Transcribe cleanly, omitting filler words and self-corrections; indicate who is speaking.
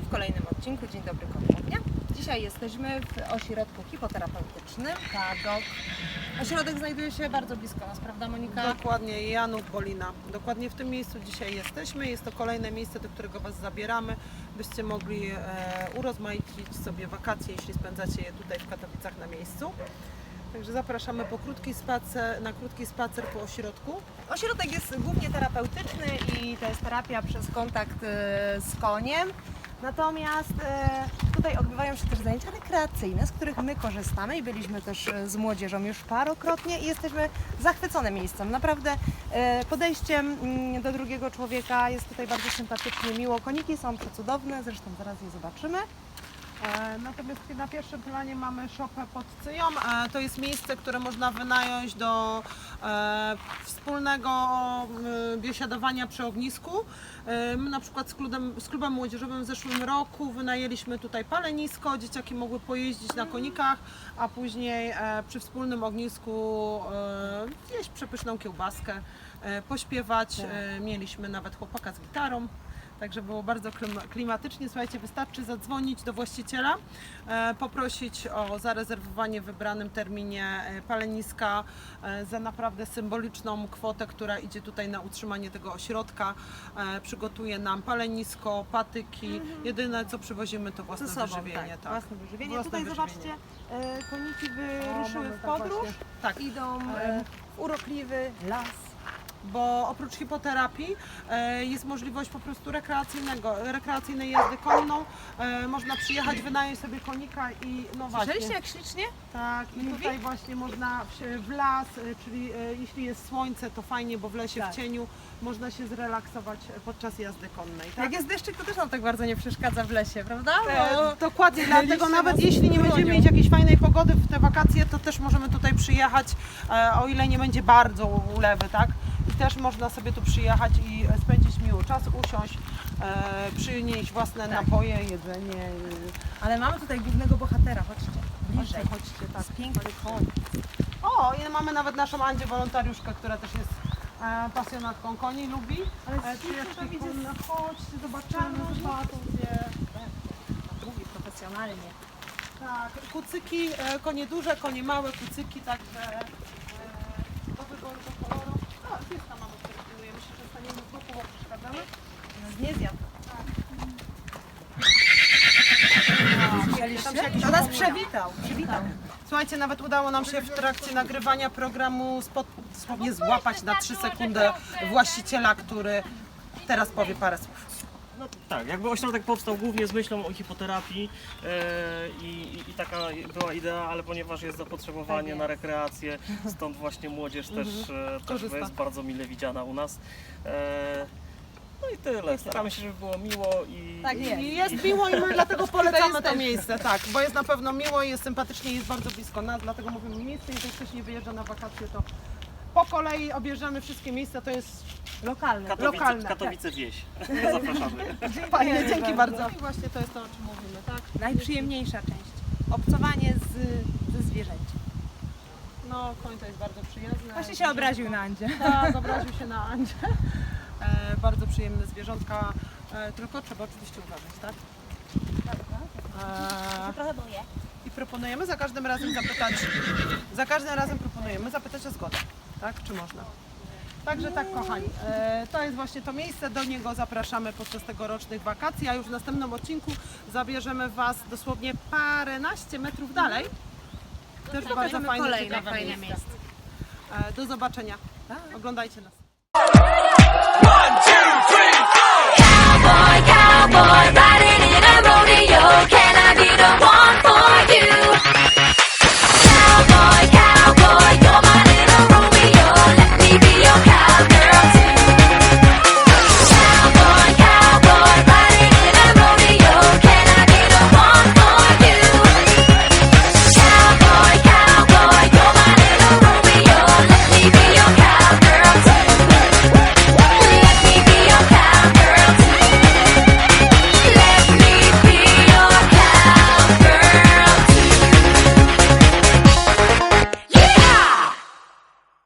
Speaker 1: kolejnym odcinku. Dzień dobry ponownie. Dzisiaj jesteśmy w ośrodku hipoterapeutycznym TAGOK. Ośrodek znajduje się bardzo blisko nas, prawda Monika?
Speaker 2: Dokładnie, Janów Bolina. Dokładnie w tym miejscu dzisiaj jesteśmy. Jest to kolejne miejsce, do którego Was zabieramy, byście mogli urozmaicić sobie wakacje, jeśli spędzacie je tutaj w Katowicach na miejscu. Także zapraszamy na krótki spacer po ośrodku.
Speaker 1: Ośrodek jest głównie terapeutyczny i to jest terapia przez kontakt z koniem. Natomiast tutaj odbywają się też zajęcia rekreacyjne, z których my korzystamy i byliśmy też z młodzieżą już parokrotnie i jesteśmy zachwycone miejscem. Naprawdę podejściem do drugiego człowieka jest tutaj bardzo sympatycznie, miło. Koniki są przecudowne, zresztą zaraz je zobaczymy.
Speaker 2: Natomiast na pierwszym planie mamy szopę pod Cyją. To jest miejsce, które można wynająć do wspólnego biesiadowania przy ognisku. My na przykład z klubem młodzieżowym w zeszłym roku wynajęliśmy tutaj palenisko. Dzieciaki mogły pojeździć na konikach, a później przy wspólnym ognisku zjeść przepyszną kiełbaskę, pośpiewać. Mieliśmy nawet chłopaka z gitarą. Także było bardzo klimatycznie. Słuchajcie, wystarczy zadzwonić do właściciela, poprosić o zarezerwowanie w wybranym terminie paleniska za naprawdę symboliczną kwotę, która idzie tutaj na utrzymanie tego ośrodka. Przygotuje nam palenisko, patyki. Jedyne co przywozimy to własne wyżywienie.
Speaker 1: Tak, własne wyżywienie.
Speaker 2: Własne
Speaker 1: Tutaj
Speaker 2: wyżywienie.
Speaker 1: zobaczcie, koniki wyruszyły w podróż,
Speaker 2: Tak.
Speaker 1: idą w urokliwy las.
Speaker 2: Bo oprócz hipoterapii jest możliwość po prostu rekreacyjnej jazdy konną. Można przyjechać, wynająć sobie konika i no właśnie.
Speaker 1: Słyszeliście jak ślicznie?
Speaker 2: Tak, i tutaj właśnie można w las, czyli jeśli jest słońce, to fajnie, bo w lesie
Speaker 1: Tak.
Speaker 2: w cieniu można się zrelaksować podczas jazdy konnej. Tak?
Speaker 1: Jak jest deszczyk, to też nam tak bardzo nie przeszkadza w lesie, prawda?
Speaker 2: Dokładnie, dlatego
Speaker 1: liście
Speaker 2: nawet
Speaker 1: nas
Speaker 2: jeśli nie
Speaker 1: bronią.
Speaker 2: będziemy mieć jakiejś fajnej pogody w te wakacje, to też możemy tutaj przyjechać, o ile nie będzie bardzo ulewy, tak? I też można sobie tu przyjechać i spędzić miły czas, usiąść, przynieść własne napoje, jedzenie.
Speaker 1: Ale mamy tutaj głównego bohatera, chodźcie. Bliżej.
Speaker 2: Chodźcie, tak.
Speaker 1: Jest piękny koń.
Speaker 2: O, i mamy nawet naszą Andzię wolontariuszkę, która też jest pasjonatką koni, lubi.
Speaker 1: Ale
Speaker 2: Przyjaciółki
Speaker 1: tam idzie
Speaker 2: konne, chodźcie, zobaczymy, zobaczą gdzie.
Speaker 1: Mówi profesjonalnie.
Speaker 2: Tak, kucyki, konie duże, konie małe, kucyki, także do wyboru, do koloru. O, pieska mamy, który pilnuje. Myślę, że staniemy w ruchu, bo przeszkadzamy.
Speaker 1: Nas nie zjadł.
Speaker 2: Tam się jakiś
Speaker 1: To nas
Speaker 2: opowiada.
Speaker 1: przywitał.
Speaker 2: Słuchajcie, nawet udało nam się w trakcie nagrywania programu dosłownie złapać na 3 sekundy właściciela, który teraz powie parę słów.
Speaker 3: No tak, jakby ośrodek powstał głównie z myślą o hipoterapii i taka była idea, ale ponieważ jest zapotrzebowanie na rekreację, stąd właśnie młodzież też
Speaker 2: Korzysta.
Speaker 3: jest bardzo mile widziana u nas. No i tyle, staramy się, żeby było miło i...
Speaker 1: Tak jest.
Speaker 2: I jest miło i my dlatego polecamy to miejsce, tak, bo jest na pewno miło, jest sympatycznie, jest bardzo blisko nas, dlatego mówimy miejsce, jeżeli ktoś nie wyjeżdża na wakacje, to po kolei objeżdżamy wszystkie miejsca, to jest
Speaker 1: Lokalny.
Speaker 2: lokalne.
Speaker 3: Katowice wieś. Zapraszamy.
Speaker 2: fajnie, dzięki bardzo. I właśnie to jest to, o czym mówimy, tak?
Speaker 1: Najprzyjemniejsza część. Obcowanie ze zwierzęciem.
Speaker 2: No, koń to jest bardzo przyjemne.
Speaker 1: Właśnie się obraził na Andzie.
Speaker 2: Tak, obraził się na Andzie. Bardzo przyjemne zwierzątka, tylko trzeba oczywiście uważać, tak?
Speaker 1: Trochę boję.
Speaker 2: I proponujemy za każdym razem zapytać o zgodę, tak? Czy można? Także tak, kochani, to jest właśnie to miejsce, do niego zapraszamy podczas tegorocznych wakacji, a już w następnym odcinku zabierzemy Was dosłownie paręnaście metrów dalej. Też bardzo fajne,
Speaker 1: kolejne
Speaker 2: ciekawe
Speaker 1: fajne miejsce.
Speaker 2: Do zobaczenia. Oglądajcie nas.
Speaker 4: Cowboy, cowboy,